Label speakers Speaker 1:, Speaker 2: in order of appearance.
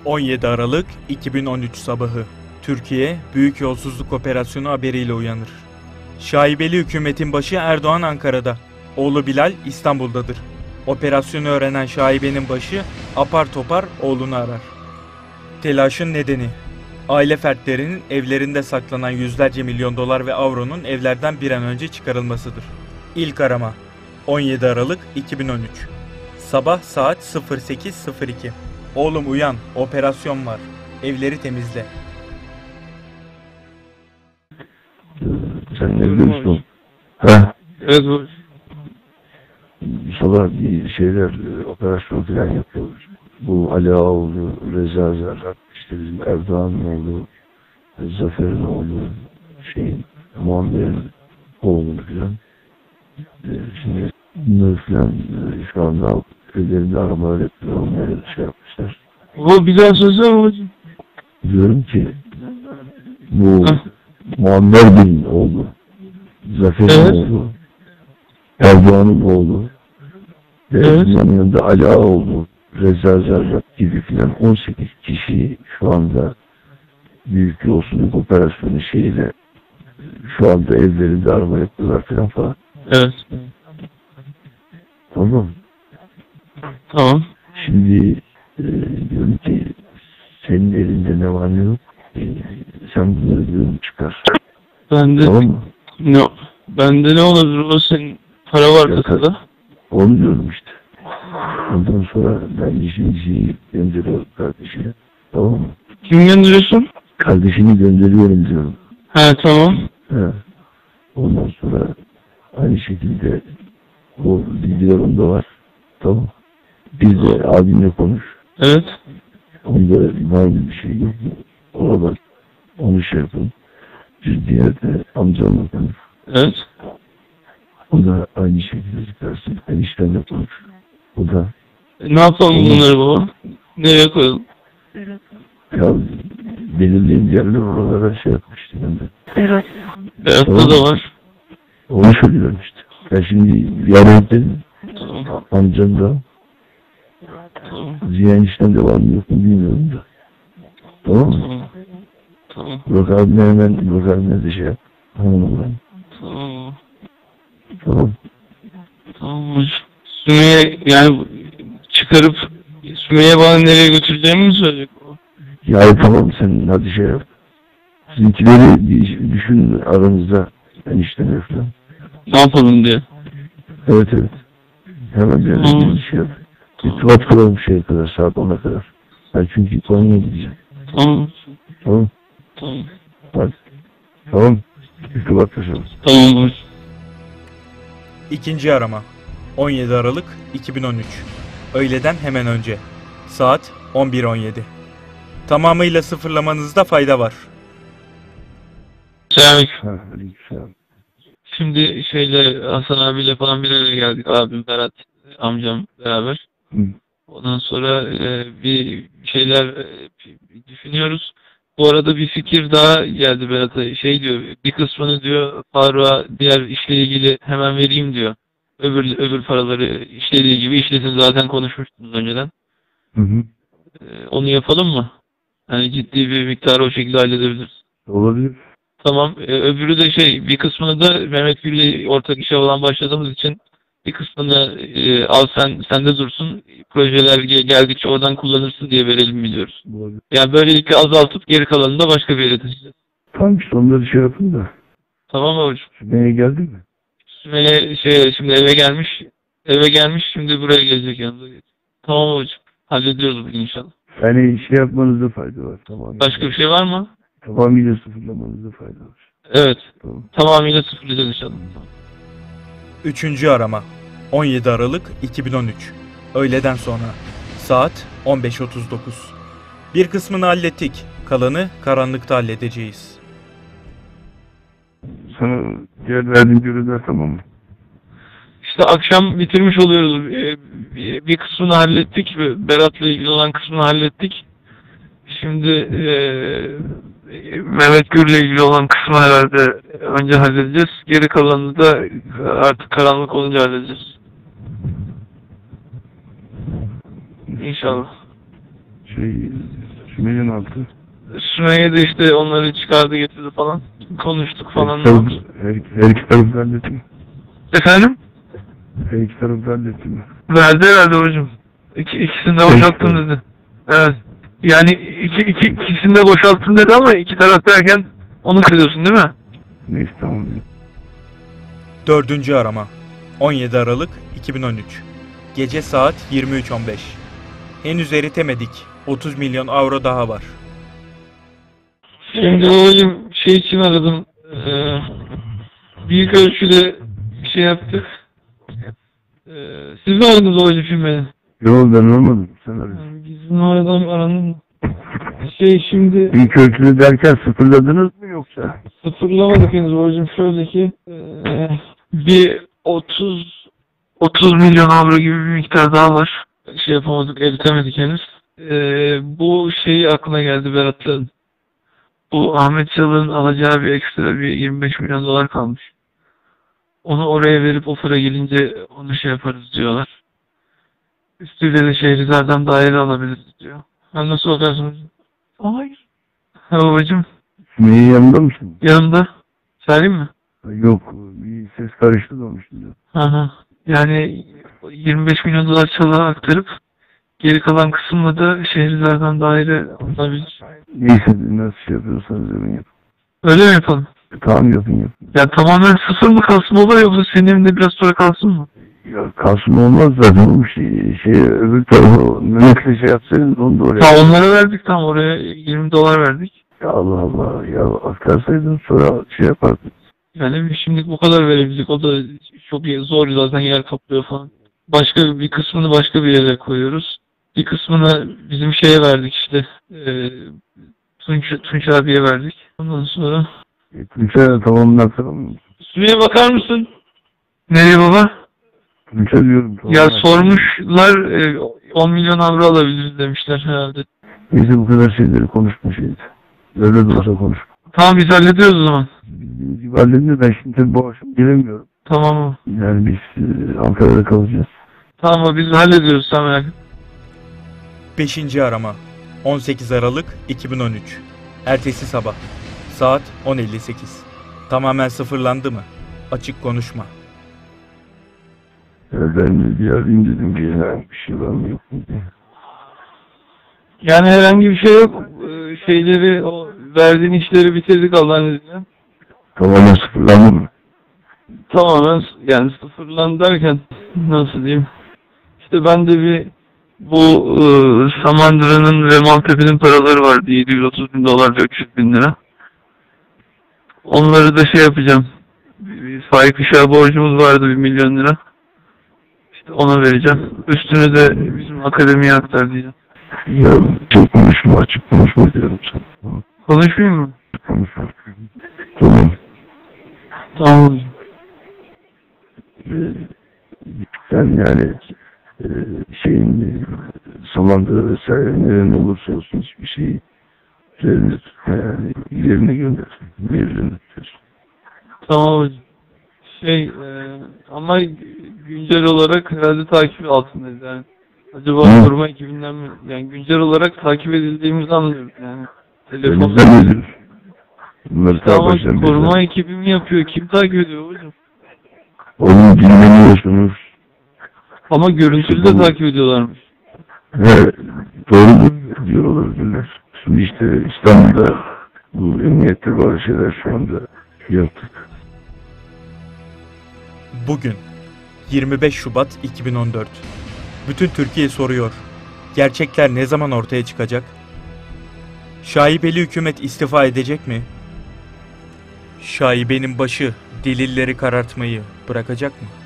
Speaker 1: 17 Aralık 2013 sabahı. Türkiye, büyük yolsuzluk operasyonu haberiyle uyanır. Şaibeli hükümetin başı Erdoğan Ankara'da. Oğlu Bilal İstanbul'dadır. Operasyonu öğrenen şaibenin başı apar topar oğlunu arar. Telaşın nedeni: aile fertlerinin evlerinde saklanan yüzlerce milyon dolar ve avronun evlerden bir an önce çıkarılmasıdır. İlk arama 17 Aralık 2013. Sabah saat 08:02. Oğlum uyan, operasyon var. Evleri temizle.
Speaker 2: Sen ne biliyorsun? Ha?
Speaker 3: Evet bu.
Speaker 2: Sabah bir şeyler, operasyon falan yapıyoruz. Bu Ali Ağaoğlu, Reza Zerrak, işte bizim Erdoğan'ın oğlu, Zafer'in oğlu, Muammer'in oğlu falan. Şimdi bunları falan şu anda ellerinde aramalar yapıyor, onları şey yapmışlar.
Speaker 3: Bu bir daha söylesene babacığım.
Speaker 2: Diyorum ki bu Muammer Bey'in oğlu, Zafer'in oğlu, Erdoğan'ın oğlu ve bunun yanında Ali Ağaoğlu, Reza Zerrak gibi filan 18 kişi şu anda büyük yolsuzluk operasyonu şeyiyle şu anda evlerinde arama yapıyorlar falan.
Speaker 3: Evet.
Speaker 2: Tamam.
Speaker 3: Tamam.
Speaker 2: Şimdi diyorum ki senin elinde ne var ne yok, sen bunları diyorum çıkar.
Speaker 3: Bende
Speaker 2: Tamam mı?
Speaker 3: bende ne olabilir o, senin para var kasada.
Speaker 2: Onu diyorum işte. Ondan sonra ben işimizi gönderiyorum kardeşine. Tamam mı?
Speaker 3: Kim gönderiyorsun?
Speaker 2: Kardeşini gönderiyorum diyorum.
Speaker 3: He tamam.
Speaker 2: He. Ondan sonra aynı şekilde o bilgilerim de var. Tamam. Bir de abimle konuş.
Speaker 3: Evet.
Speaker 2: Onda var bir şey yok. Ona bak. Onu şey yapın. Bir diğer de amcamla konuş.
Speaker 3: Evet.
Speaker 2: O da aynı şekilde çıkarsın. Eniştenle konuş. O da.
Speaker 3: Ne yapalım bunları baba? Nereye koyalım?
Speaker 2: Ya belirleyen yerler oralara şey yapmıştı ben de.
Speaker 4: Evet.
Speaker 3: Berat'ta da var.
Speaker 2: Onu söylüyorum işte. Ben şimdi yarın dedim.
Speaker 3: Tamam.
Speaker 2: Amcam da.
Speaker 3: Tamam.
Speaker 2: Ziya enişten de var mı yok mu bilmiyorum da. Tamam mı?
Speaker 3: Tamam. Tamam.
Speaker 2: Burak abime de şey yap. Tamam.
Speaker 3: Tamam.
Speaker 2: Tamam.
Speaker 3: Tamam hocam. Sümeyye yani çıkarıp Sümeyye bana nereye götüreceğimi mi söyleyecek o?
Speaker 2: Ya tamam sen hadi şey yap. Sizinkileri düşün aranızda. Enişten falan.
Speaker 3: Ne yapalım diye.
Speaker 2: Evet. Hemen bir şey yap. İrtibat kuralım şeye kadar, saat 10'a kadar. Ben çünkü Konya'ya gideceğim.
Speaker 3: Tamam.
Speaker 2: Tamam.
Speaker 3: Tamam.
Speaker 2: Hadi. Tamam. İrtibat kuralım.
Speaker 3: Tamam hocam.
Speaker 1: İkinci arama 17 Aralık 2013. Öğleden hemen önce. Saat 11:17. Tamamıyla sıfırlamanızda fayda var.
Speaker 3: Selamünaleyküm.
Speaker 2: Selam.
Speaker 3: Şimdi Hasan abiyle falan bir araya geldik. Abim, Berat, amcam beraber. Ondan sonra bir şeyler düşünüyoruz. Bu arada bir fikir daha geldi Berat'a. Diyor, bir kısmını diyor Faruk'a diğer işle ilgili hemen vereyim diyor. Öbür paraları işlediği gibi işlesin, zaten konuşmuştunuz önceden. Onu yapalım mı? Yani ciddi bir miktarı o şekilde halledebiliriz.
Speaker 2: Olabilir.
Speaker 3: Tamam. Öbürü de bir kısmını da Mehmet Gül'le ortak işe olan başladığımız için bir kısmını al sende dursun. Projeler geldikçe oradan kullanırsın diye verelim biliyoruz.
Speaker 2: Olabilir.
Speaker 3: Yani böylelikle azaltıp geri kalanını da başka bir yere taşıyacağız.
Speaker 2: Tamam işte onları şey yapın da.
Speaker 3: Tamam mı hocam?
Speaker 2: Sümeyye geldi mi?
Speaker 3: Sümeyye şimdi eve gelmiş. Eve gelmiş, şimdi buraya gelecek yanımıza. Tamam hocam. Hallediyoruz bugün inşallah.
Speaker 2: Yani şey yapmanızda fayda var. Tamam.
Speaker 3: Başka bir şey var mı?
Speaker 2: Tamamıyla sıfırlamanızda fayda var.
Speaker 3: Evet.
Speaker 2: Tamam.
Speaker 3: Tamamıyla sıfırlayacağız inşallah.
Speaker 1: Üçüncü arama 17 Aralık 2013. Öğleden sonra. Saat 15:39. Bir kısmını hallettik. Kalanı karanlıkta halledeceğiz.
Speaker 2: Sana diğer verdiğim görevler tamam mı?
Speaker 3: İşte akşam bitirmiş oluyoruz. Bir kısmını hallettik. Berat'la ilgili olan kısmını hallettik. Şimdi Mehmet Gür'le ilgili olan kısmı herhalde önce halledeceğiz. Geri kalanını da artık karanlık olunca halledeceğiz. İnşallah.
Speaker 2: Sümeyye ne yaptı?
Speaker 3: Sümeyye de işte onları çıkardı getirdi falan. Konuştuk falan.
Speaker 2: Her iki tarafı halletti mi?
Speaker 3: Efendim?
Speaker 2: Her iki tarafı halletti mi?
Speaker 3: Verdi herhalde hocam. İkisini de boşalttım dedi. Evet. Yani ikisini de boşalttım dedi ama iki taraf derken onu kırıyorsun değil mi?
Speaker 2: Neyse tamam.
Speaker 1: 4. arama 17 Aralık 2013 Gece saat 23.15 Henüz eritemedik. 30 milyon avro daha var.
Speaker 3: Şimdi hocam şey için aradım. Büyük ölçüde bir şey yaptık. Siz mi aradınız hocam şimdi beni?
Speaker 2: Yok ben olmadım. Sen arıyorsun.
Speaker 3: Yani bizim oradan aranın şimdi
Speaker 2: İlk ölçülü derken sıfırladınız mı yoksa?
Speaker 3: sıfırlamadık henüz hocam. Şöyle ki bir 30 milyon avro gibi bir miktar daha var. Şey yapamadık, eritemedik henüz. Bu şeyi aklına geldi Berat'ın. Bu Ahmet Çalık'ın alacağı bir ekstra bir 25 milyon dolar kalmış. Onu oraya verip o para gelince onu şey yaparız diyorlar. Üstüyle de Şehrizar'dan daire alabiliriz diyor. Ben nasıl bakarsın hocam? Hayır. Ha babacım,
Speaker 2: Sümeyye yanında mısın?
Speaker 3: yanımda. Söyleyeyim mi?
Speaker 2: Yok bir ses karıştı da onun şimdi.
Speaker 3: Hı. Yani 25 milyon dolar Çalık'a aktarıp geri kalan kısımla da Şehrizar'dan daire alabilir.
Speaker 2: Neyse nasıl şey yapıyorsanız yapın yapın.
Speaker 3: Öyle mi yapalım?
Speaker 2: Tamam yapın.
Speaker 3: Ya tamamen sıfır mı kalsın baba yoksa senin evinde biraz sonra kalsın mı?
Speaker 2: Ya kalsın olmaz zaten bu şey öbür tarafa Mehmet'le şey yapsaydın onu da oraya.
Speaker 3: Ta onlara verdik, tam oraya 20 dolar verdik.
Speaker 2: Ya Allah Allah ya aktarsaydın sonra şey yapardın.
Speaker 3: Yani şimdilik bu kadar verebildik, o da çok zor zaten, yer kaplıyor falan. Başka bir kısmını başka bir yere koyuyoruz. Bir kısmını bizim şeye verdik işte. Tunç abiye verdik. Ondan sonra...
Speaker 2: Tunç'a tamamlatsana mı?
Speaker 3: Sümeyye bakar mısın? Nereye baba?
Speaker 2: Tunç'a diyorum.
Speaker 3: Ya sormuşlar 10 milyon avro alabiliriz demişler herhalde.
Speaker 2: Neyse bu kadar şeyleri konuşma şeydi. Öyle de olsa konuş.
Speaker 3: Tamam biz hallediyoruz o zaman.
Speaker 2: Halledince ben şimdi tabii bu akşam gelemiyorum.
Speaker 3: Tamam mı?
Speaker 2: Yani biz Ankara'da kalacağız.
Speaker 3: Tamam biz hallediyoruz, sen merak etme.
Speaker 1: 5. arama 18 Aralık 2013 Ertesi sabah Saat 10.58 Tamamen sıfırlandı mı? Açık konuşma.
Speaker 2: Ben de bir arayayım dedim ki herhangi bir şey var mı yok mu diye.
Speaker 3: Yani herhangi bir şey yok. Şeyleri, o verdiğin işleri bitirdik Allah'ın izniyle.
Speaker 2: Tamamen sıfırlandı mı?
Speaker 3: Tamamen yani sıfırlandı derken nasıl diyeyim? İşte ben de bir bu Samandıra'nın ve Maltepe'nin paraları vardı. 730 bin dolar ve 300 bin lira. Onları da şey yapacağım. Bir Faik Işık'a borcumuz vardı 1 milyon lira. İşte ona vereceğim. Üstünü de bizim akademiye aktar diyeceğim.
Speaker 2: Ya çok konuşma açık konuşma diyorum sana.
Speaker 3: Konuşmayayım mı?
Speaker 2: Konuşma. Tamam.
Speaker 3: Tamam hocam.
Speaker 2: Sen yani şeyin Samandıra vesaire nerede olursa olsun hiçbir şeyi yerine gönder. Yerine tutuyorsun.
Speaker 3: Tamam hocam. Ama güncel olarak herhalde takip altındayız yani. Acaba koruma ekibinden mi? Yani güncel olarak takip edildiğimizi anlıyoruz yani. Telefonla.
Speaker 2: Elimizden ediyoruz. Bunları
Speaker 3: Tamam, koruma ekibi mi yapıyor? Kim takip ediyor hocam?
Speaker 2: Onu dinlemiyorsunuz.
Speaker 3: Ama görüntülü de takip ediyorlarmış.
Speaker 2: He, doğru diyor olabilirler. Şimdi işte İstanbul'da bu emniyette bazı şeyler şu anda yaptık.
Speaker 1: Bugün 25 Şubat 2014 Bütün Türkiye soruyor. Gerçekler ne zaman ortaya çıkacak? Şaibeli hükümet istifa edecek mi? Şaibenin başı delilleri karartmayı bırakacak mı?